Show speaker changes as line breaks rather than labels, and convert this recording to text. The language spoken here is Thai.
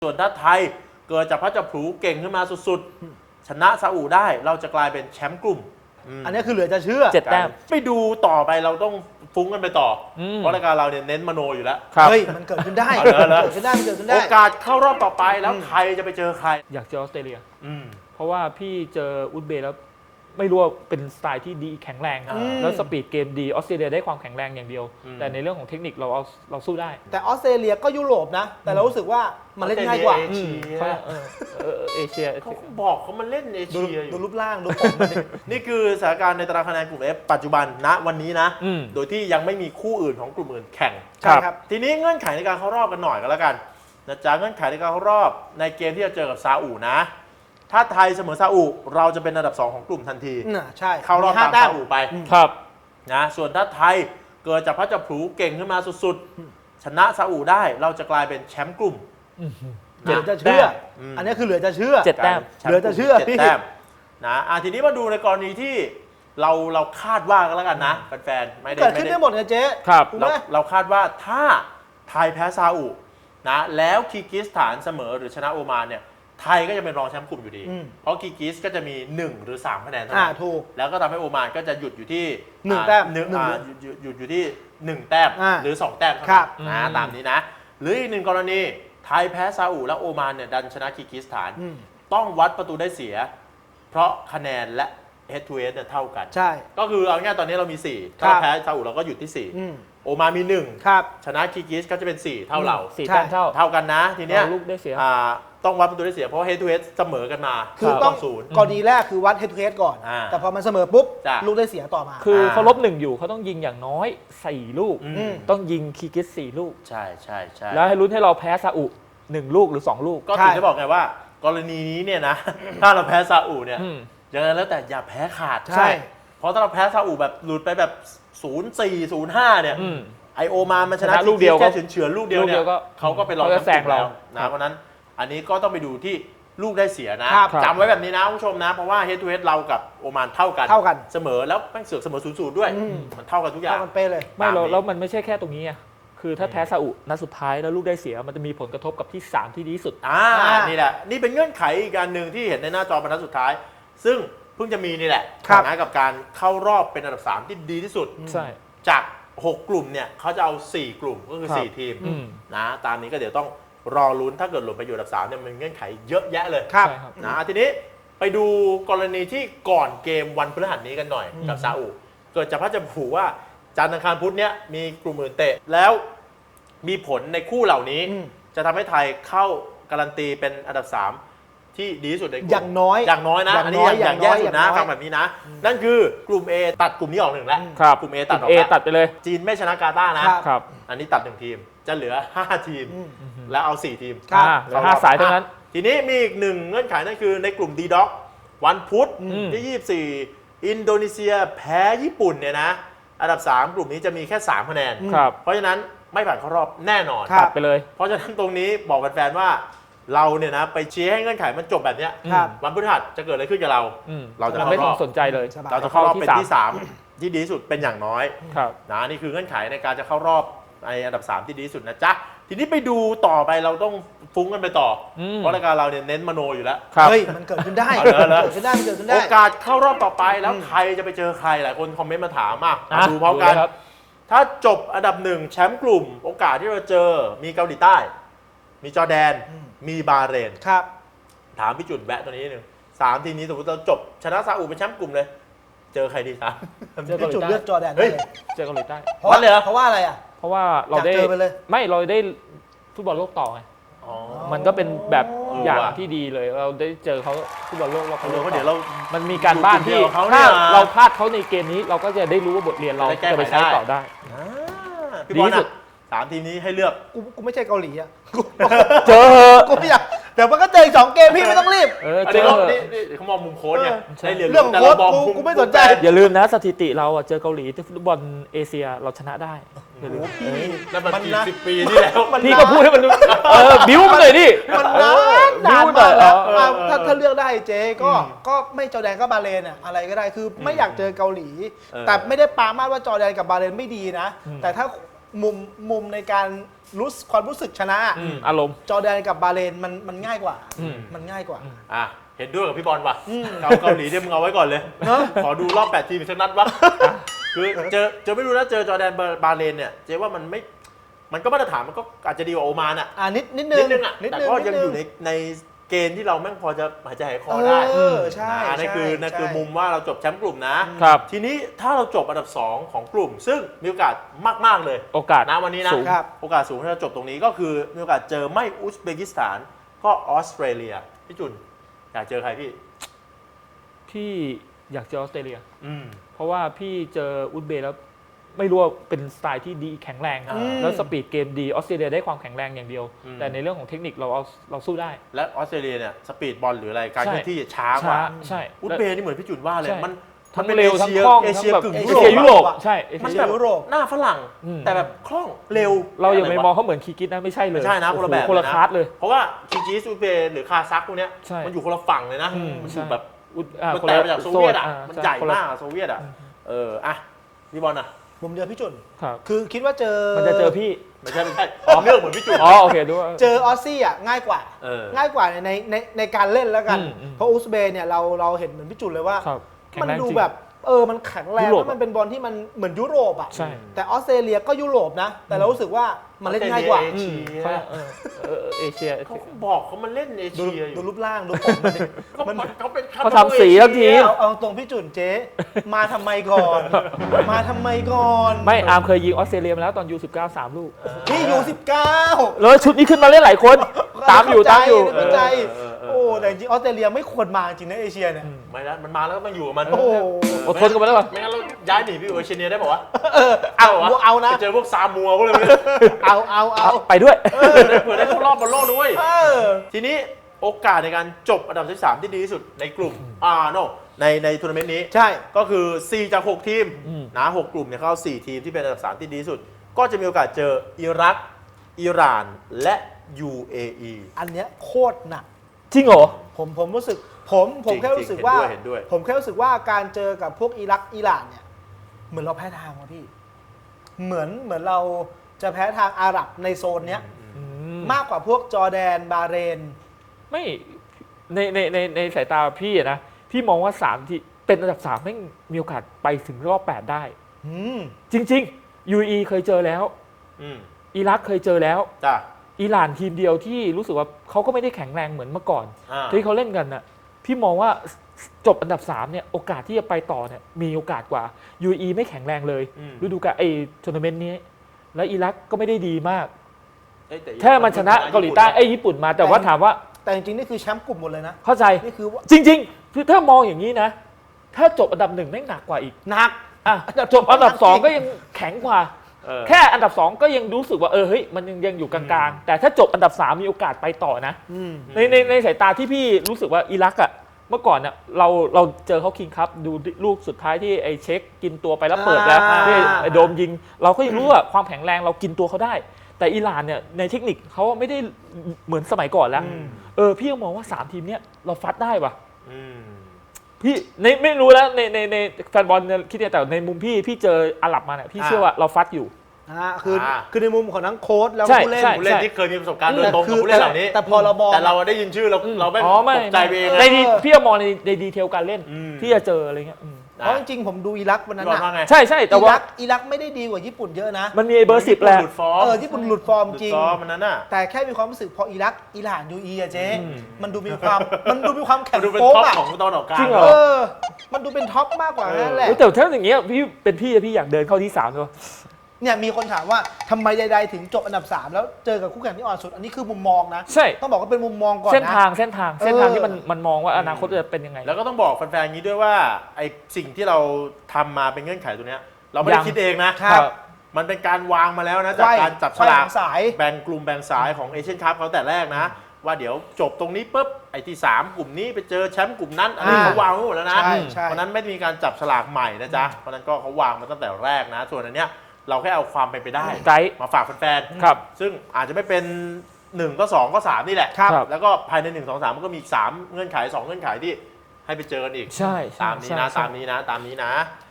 ส่วนถ้าไทยเกิดจากพระจับผลูเก่งขึ้นมาสุดๆชนะซาอุได้เราจะกลายเป็นแชมป์กลุ่ม
อันนี้คือเหลือจะเชื่อ
7 แต้ม
ไปดูต่อไปเราต้องฟุ้งกันไปต่อเพราะรายการเราเนี่ยเน้นมโนอยู่แล้ว
เฮ้ยมันเกิดขึ้นได้มันเกิดขึ้นได้
โอกาสเข้ารอบต่อไปแล้วไทยจะไปเจอใคร
อยากเจอออสเตรเลียเพราะว่าพี่เจออุซเบย์แล้วไม่รู้ว่าเป็นสไตล์ที่ดีแข็งแรงแล้วสปีดเกมดีออสเตรเลียได้ความแข็งแรงอย่างเดียวแต่ในเรื่องของเทคนิคเราสู้ได้
แต่ออสเตรเลียก็ยุโรปนะแต่เรารู้สึกว่ามันเล่นง่ายกว่า
เอเชีย
เขาบอกเขามันเล่นเอเชีย
ดูรูปร่างดูผม
นี่คือสถานการณ์ในตารางคะแนนกลุ่ม F ปัจจุบันณวันนี้นะโดยที่ยังไม่มีคู่อื่นของกลุ่มอื่นแข่ง
ครับ
ทีนี้เงื่อนไขในการเข้ารอบกันหน่อยก็แล้วกันนะจ๊ะเงื่อนไขในการเข้ารอบในเกมที่จะเจอกับซาอุนะถ้าไทยเสมอซาอุเราจะเป็นอันดับ2ของกลุ่มทันที
ใช่
เข้ารอบตามซาอุไป
ครับ
นะส่วนถ้าไทยเกิดจากพระจับผลูเก่งขึ้นมาสุดๆชนะซาอุได้เราจะกลายเป็นแชมป์กลุ่ม
เหลือจะเชื่ออันนี้คือเหลือจะเชื่อ
7 แต้ม
เหลือจะเชื่อ
7 แต้มนะทีนี้มาดูในกรณีที่เราคาดว่ากันแล้วกันนะแฟนๆไม่ได้
เกิดขึ้นได้หมดนะเจ๊
ครับ
เราคาดว่าถ้าไทยแพ้ซาอุนะแล้วคีร์กิสถานเสมอหรือชนะโอมานเนี่ยไทยก็จะเป็นรองแชมป์กลุ่มอยู่ดีเพราะคีร์กิสก็จะมี1หรือ3คะแนนเท่านั้น
ถูก
แล้วก็ทำให้โอมานก็จะหยุดอยู่ที่
1 แต้ม
หยุดอยู่ที่1 แต้มหรือ2 แต้มเท่านั้นตามนี้นะหรืออีก1กรณีไทยแพ้ซาอุแล้วโอมานเนี่ยดันชนะคีร์กิสถานต้องวัดประตูได้เสียเพราะคะแนนและ head to head เนี่ยเท่ากัน
ใช่
ก็คือเอาง่ายตอนนี้เรามี4ถ้าแพ้ซาอุเราก็หยุดที่4โอมานมี1ชนะคีร์กิสก็จะเป็น4เท่าเรา
4 แต้ม
เท่ากันนะทีเนี้ย
ลูกได้เสีย
ต้องวัดประตูได้เสียเพราะ head to head เสมอกันมา
คือต้องกรณีแรกคือวัด head to head ก่อนแต่พอมันเสมอปุ๊บลูกได้เสียต่อมา
คือเขาลบ1อยู่เขาต้องยิงอย่างน้อย4ลูกต้องยิงคีร์กิส4ลูก
ใช่
แล้วให้ลุ้นให้เราแพ้ซาอุ1ลูกหรือ2ลูก
ก็ถึงได้บอกไงว่ากรณีนี้เนี่ยนะถ้าเราแพ้ซาอุเนี่ยยังไงแล้วแต่อย่าแพ้ขาด
ใช่
เพราะถ้าเราแพ้ซาอุแบบหลุดไปแบบ0-4 0-5เนี่ยไอโอมานมันชนะ
ลูกเดียว
แค่เฉือนลูกเดียวเนี่ยเขาก็ไปรองแชมป์แล้วนะเพราะนั้นอันนี้ก็ต้องไปดูที่ลูกได้เสียนะจำไว้แบบนี้นะคุณผู้ชมนะเพราะว่า head to head เรากับโอมานเท่ากันเสมอแล้วแม่งเสือกเสมอ0-0ด้วยมันเท่ากันทุกอย่าง
เท่ากันเป๊ะเลย
ไม่แล้วมันไม่ใช่แค่ตรงนี้คือถ้าแพ้ซาอุนัดสุดท้ายแล้วลูกได้เสียมันจะมีผลกระทบกับที่3ที่ดีที่สุด
นี่แหละนี่เป็นเงื่อนไขอีกการหนึ่งที่เห็นในหน้าจอบรรทัดสุดท้ายซึ่งเพิ่งจะมีนี่แหละนะกับการเข้ารอบเป็นอันดับ3ที่ดีที่สุดจาก6กลุ่มเนี่ยเขาจะเอา4กลุ่มก็คือ4ทีมนะตามนี้ก็เดี๋ยวต้องรอลุ้นถ้าเกิดหล่นไปอยู่อันดับ3เนี่ยมันเงื่อนไขเยอะแยะเลยนะทีนี้ไปดูกรณีที่ก่อนเกมวันพฤหัสนี้กันหน่อยกับซาอุเกิดจากพระจับผลูว่าจันทร์อังคารพุธเนี้ยมีกลุ่มอื่นเตะแล้วมีผลในคู่เหล่านี้จะทำให้ไทยเข้าการันตีเป็นอันดับ3ที่ดีที่สุดในกลุ่ม
อย่างน้อย
นะอันนี้อย่างแย่สุดนะฟังแบบนี้นะนั่นคือกลุ่ม A ตัดกลุ่มนี้ออก1แล้วกลุ่ม A ตัดออก
ตัดไปเลย
จีนไม่ชนะกาตาร์นะครับอันนี้ตัด1ทีมจะเหลือ5ทีมแล้วเอา4ทีม
เหลือ5สายเท่านั้น
ทีนี้มีอีก1เงื่อนไขนั่นคือในกลุ่ม D Doc วันพุธที่24อินโดนีเซียแพ้ญี่ปุ่นเนี่ยนะอันดับ3กลุ่มนี้จะมีแค่3คะแนนเพราะฉะนั้นไม่ผ่านเข้ารอบแน่นอน
ตัดไปเลย
เพราะฉะนั้นตรงนี้บอกแฟนๆว่าเราเนี่ยนะไปเชียร์ให้เงื่อนไขมันจบแบบนี้วันพฤหัสจะเกิดอะไรขึ้นกับเรา
จะไม่ต้องสนใจเลย
เราจะเข้ารอบเป็นที่3ที่ดีที่สุดเป็นอย่างน้อยนะนี่คือเงื่อนไขในการจะเข้ารอบในอันดับ3ที่ดีที่สุดนะจ๊ะทีนี้ไปดูต่อไปเราต้องฟุ้งกันไปต่อเพราะรายการเราเนี่ยเน้นมโนอยู่แล้ว
เฮ้ยมันเกิดขึ้นได้มันเกิดขึ้นได้
โอกาสเข้ารอบต่อไปแล้วใครจะไปเจอใครหลายคนคอมเมนต์มาถามมาดูพร้อมกันถ้าจบอันดับ1แชมป์กลุ่มโอกาสที่เราเจอมีเกาหลีใต้มีจอร์แดนมีบาห์เรนถามพี่จุดแวะตัวนี้นึง3ทีมนี้สมมติเราจบชนะซาอุเป็นแชมป์กลุ่มเลยเจอใครดีครับ
พี่จุดเลือกจอร์แดน
เจอเกาหลีใต้
เพราะว่าอะไร
เพราะว่าเราได้เราได้ฟุตบอลโลกต่อไงมันก็เป็นแบบอย่างที่ดีเลยเราได้เจอเขาฟุตบอลโลก
เพราะเดี๋ยวเรา
มันมีการบ้านที่ถ้าเราพลาดเขาในเกมนี้เราก็จะได้รู้ว่าบทเรียนเราจะไปใช้ต่อได้
ดีที่สุด3ทีมนี้ให้เลือก
กูไม่ใช่เกาหลีอ่ะ
เจอ
กูไม่อยากเดี๋ยวมันก็เจอ2เกมพี่ไม่ต้องรีบ
เจอนี่เขามองมุมโค้ชเนี่ยได้เรียน
เรื่องของโค้ชกูไม่สนใจ
อย่าลืมนะสถิติเราเจอเกาหลีที่ฟุตบอลเอเชียเราชนะได้
นั่นมันกี่10 ปีที่แล้ว
พี่ก็พูดให้มันบิ้วมันเลยดิ
มันนานมากแล้วถ้าเลือกได้เจ๊ก็ไม่จอร์แดนก็บาห์เรนอะไรก็ได้คือไม่อยากเจอเกาหลีแต่ไม่ได้ปรามาสว่าจอร์แดนกับบาห์เรนไม่ดีนะแต่ถ้ามุมในการรู้ความรู้สึกชนะ
อารมณ์
จอร์แดนกับบาห์เรนมันง่ายกว่า
อืม
มันง่ายกว่า
อ่ะเห็นด้วยกับพี่บอลว่ะเกาหลีเนี่ยมึงเอาไว้ก่อนเลย
เนอะ
ขอดูรอบ 8 ทีมอีกสักนัดวะคือเจอไม่รู้นะเจอจอร์แดนบาห์เรนเนี่ยเจ๊ว่ามันก็มาตรฐานมันก็อาจจะดีกว่าโอมานอ่ะ
นิดนึ
นิ
ง
ดนึงอ่ะแต่ก็ยังอยู่ในเกณฑ์ที่เราแม่งพอจะหายใจหายคอได้
ใช่
นะนั่นคือ
ใช่
นั่นคือ
ใช่
มุมว่าเราจบแชมป์กลุ่มนะ
ครับ
ทีนี้ถ้าเราจบอันดับ 2 ของกลุ่ม ซึ่งมีโอกาสมาก ๆ เลย
โอกาส
นะวันนี้นะ
สูง
ครับ
โอกาสสูงที่จะจบตรงนี้ก็คือมีโอกาสเจอไม่อุซเบกิสถานก็ออสเตรเลียพี่จุนอยากเจอใครพี่
พี่อยากเจอออสเตรเลีย
อืม
เพราะว่าพี่เจออุซเบย์แล้วไม่รู้ว่าเป็นสไตล์ที่ดีแข็งแรง แล้วสปีดเกมดีออสเตรเลียได้ความแข็งแรงอย่างเดียว แต่ในเรื่องของเทคนิคเราสู้ได้
และออสเตรเลียเนี่ยสปีดบอลหรืออะไรการ
ใช่
เคลื่อนที่ช้ากว่า
ใช่
อุซเบย์นี่เหมือนพี่จุนว่าเลย
ใช่
มัน
ทั้ง
เป็น
เร็วทั้ง
เอเชีย
คล่อง
เอเชีย
ทั้งแบบ
กึ่ง
เอ
ยุ
เชียยุ
โร
โร
ป
ป
อะ
ใช่
มันแบบ
ยุโรป
หน้าฝรั่ง
อืม
แต่แบบคล่องเร็ว
เราอย่าไป
ะรวะ
มองเขาเหมือนคีกิสนะไม่ใช่เลย
ไม่ใช่นะคนละแบบ
โอ้โหคนละ
เลยนะ
คลาสเลย
เพราะว่าคิจิสอุซเบย์หรือคาซัคพวกเนี้ย
ใช่
มันอยู่คนละฝั่งเลยนะ มันอยู่แบบ มัน
คน
แต
ละ
กมาจากโซเวียตอ่ะ
โซ
มัน
ช่
ใหญ่
คนละ
มากอะโซเวียตอ่ะอ่ะพี่บอลอ่ะ
ผมเจอพี่จุน
ครับ
คือคิดว่าเจอ
มันจะเจอพี่
ไม่ใช่เรื่องเหมือนพี่จุน
อ๋อโอเคดูว่า
เจอออสซี่อ่ะง่ายกว่า
เออ
ง่ายกว่าในการเล่นแล้วกัน
อืม
เพราะอุซเบย์เนี่ยเราเห็นเหมือนพี่จุนเลยว่า
ครับแข็ง
มัน
แรง
ดู
จริง
แบบมันแข็งแรง
ยุโรป
แล้วมันเป็นบอลที่มันเหมือนยุโรปอ่ะ
ใช่
แต่ออสเตรเลียก็ยุโรปนะ แต่เรารู้สึกว่ามันเล่นง่ายกว่า
เอเชีย
เอเชีย
เขาบอกเขามันเล่นเอ
ดู
เชียอยู่
ดูรูปร่างดูผมมันดิ
เขาเป็น
เขาทำสีทั้งทีม
เอาตรงพี่จุนเจ๊มาทำไมก่อน มาทำไมก่อน
ไม่อาร์มเคยยิงออสเตรเลียมาแล้วตอนยู19 3 ลูก
พี่อยู่19
แล้วชุดนี้ขึ้นมาเล่นหลายคน ตามอยู่
เข้าใจโอ้แต่จริงๆออสเตรเลียไม่ควรมาจริงนะเอเชียเนี่ย
ไม่นะมันมาแล้วก็ต้องอยู่กับมัน
โอ้โห
อดทนกันไปแล้วป่ะ
ไม่งั้นเราย้ายหนีไปอยู่เอเชียได้ป่าวะ
เอานะ
ไปเจอพวกซามัวพวกอะไร
เอา
ไปด้วย
เผื่อได้เข้ารอบบอลโลกด้วย
เออ
ทีนี้โอกาสในการจบอันดับที่3ที่ดีที่สุดในกลุ่มในทัวร์นาเมนต์นี้
ใช่
ก็คือ 4 จาก 6 ทีม
อืม
นะ6กลุ่มเนี่ยเข้า 4 ทีมที่เป็นอันดับ 3 ที่ดีที่สุด ก็จะมีโอกาสเจออิรัก อิหร่าน และ UAE
อันเนี้ยโคตรหนัก
จริงเหรอ
ผมรู้สึกผม
จริง
แค่รู้สึกว่า
เห็นด้วย
ผมแค่รู้สึกว่าการเจอกับพวกอิรักอิหร่านเนี่ยเหมือนเราแพ้ทางว่ะพี่เหมือนเราจะแพ้ทางอาหรับในโซนเนี้ยมากกว่าพวกจอร์แดนบาห์เรน
ไม่ในสายตาพี่อะนะ พี่มองว่า3ที่เป็นอันดับ3ไม่งมีโอกาสไปถึงรอบ 8 ได้
อืม
จริง ๆ UAE เคยเจอแล้ว
อืม
อิรักเคยเจอแล้ว
จ้ะ
อิหร่านทีมเดียวที่รู้สึกว่าเขาก็ไม่ได้แข็งแรงเหมือนเมื่อก่อน
อ่า
ที่เขาเล่นกันน่ะพี่มองว่าจบอันดับ3เนี่ยโอกาสที่จะไปต่อเนี่ยมีโอกาสกว่า UAE ไม่แข็งแรงเลยฤดูกาลทัวร์นาเมนต์นี้ แล้วอิรักก็ไม่ได้ดีมาก
เอ้ยแต่
แค่มันชนะเกาหลีใต้ญี่ปุ่นมาแต่ว่าถามว่า
แต่จริงๆนี่คือแชมป์กลุ่มหมดเลยนะ
เข้าใจ
นี่คือว่า
จริงๆคือถ้ามองอย่างนี้นะ ถ้าจบอันดับ1แม่งหนักกว่าอีก
หนัก
อ่ะจบอันดับ2ก็ยังแข็งกว่า แค่อันดับ2ก็ยังรู้สึกว่าเฮ้ยมันยังอยู่กลางๆ แต่ถ้าจบอันดับ3มีโอกาสไปต่อนะ ในสายตาที่พี่รู้สึกว่าอิรักอ่ะเมื่อก่อนเนี่ยเราเจอเขาคิงครับดูลูกสุดท้ายที่ไอ้เช็คกินตัวไปแล้วเปิดแล้วที่ไอ้โดมยิง เราก็ยังรู้ว่าความแข็งแรงเรากินตัวเขาได้ แต่อิหร่านเนี่ยในเทคนิคเขาไม่ได้เหมือนสมัยก่อนแล้วพี่ก็มองว่า3ทีมเนี้ยเราฟัดได้ว่ะพี่ไม่รู้แล้วในแฟนบอลคิดเนี่ยแต่ในมุมพี่เจออาหรับมาเนี่ยพี่เชื่อว่าเราฟัดอยู่
คือในมุมของทั้งโค้ชแล้ว
ใช่
ผู้เล่น
ใช่
ผู้เล่นที่เคยมีประสบการณ์โดยตรงกับผู้เล่นเหล่านี้
แต่พอเรามอง
แต่เราได้ยินชื่อเราไม่
อ๋อไม่
ตกใจไปเอง
ใน
นะ
พี่ก็มองในดีเทลการเล่นที่จะเจออะไรเงี้ย
เพราะจริงๆผมดูอิรักวันนั้น
พี่บอลว่าไง
ใช่แต่ว่า
อิรักไม่ได้ดีกว่าญี่ปุ่นเยอะนะ
มันมีไอ้เบอร์10แหละ
หลุดฟอร์ม
ญี่ปุ่นหลุดฟอร์มจริง
หลุดฟอร์มมันนั้นน่ะ
แต่แค่มีความรู้สึกพออิรักอิหร่านยูอีอะเจ๊มันดูมีความแข็
มั
ง
นดูเป็น
โป๊ก
ท็อป
อะ
ของตอนออกกลาง
จริงเหรอ
มันดูเป็นท็อปมากกว่านั่นแหละ
แต่ถ้าอย่างเงี้ยพี่เป็นพี่อยากเดินเข้าที่3เลย
เนี่ยมีคนถามว่าทำไมใดๆถึงจบอันดับ 3 แล้วเจอกับคู่แข่งที่อ่อนสุด อันนี้คือมุมมองนะ
ใช่
ต้องบอกว่าเป็นมุมมองก่อนนะ
เส้นทางที่มันมองว่าอนาคตจะเป็นยังไง
แล้วก็ต้องบอกแฟนๆอย่างนี้ด้วยว่าไอ้สิ่งที่เราทำมาเป็นเงื่อนไขตัวเนี้ยเราไม่ได้คิดเองนะ มันเป็นการวางมาแล้วนะจากการจับฉลาก
สาย
แบ่งกลุ่มแบ่งสายของเอเชียนคัพเขาแต่แรกนะ ว่าเดี๋ยวจบตรงนี้ปุ๊บไอ้ที่3กลุ่มนี้ไปเจอแชมป์กลุ่มนั้นอันนี้เขาวางไว้หมดแล้วนะ
ใช่
เพราะนั้นไม่มีการจับฉลากใหม่นะจ๊ะเพราะนั้นก็เขาวางมาตั้งแต่แรกนะ ส่วนอันเนี้ยเราแค่เอาความเป็นไปได้
ไกด์
มาฝากแฟน
ครับ
ซึ่งอาจจะไม่เป็น1ก็2ก็3นี่แหละ
ครับ
แล้วก็ภายใน1 2 3มันก็มีอีก3เงื่อนไข2เงื่อนไขที่ให้ไปเจอกันอีก
ใช่
ตามนี้นะตามนี้นะ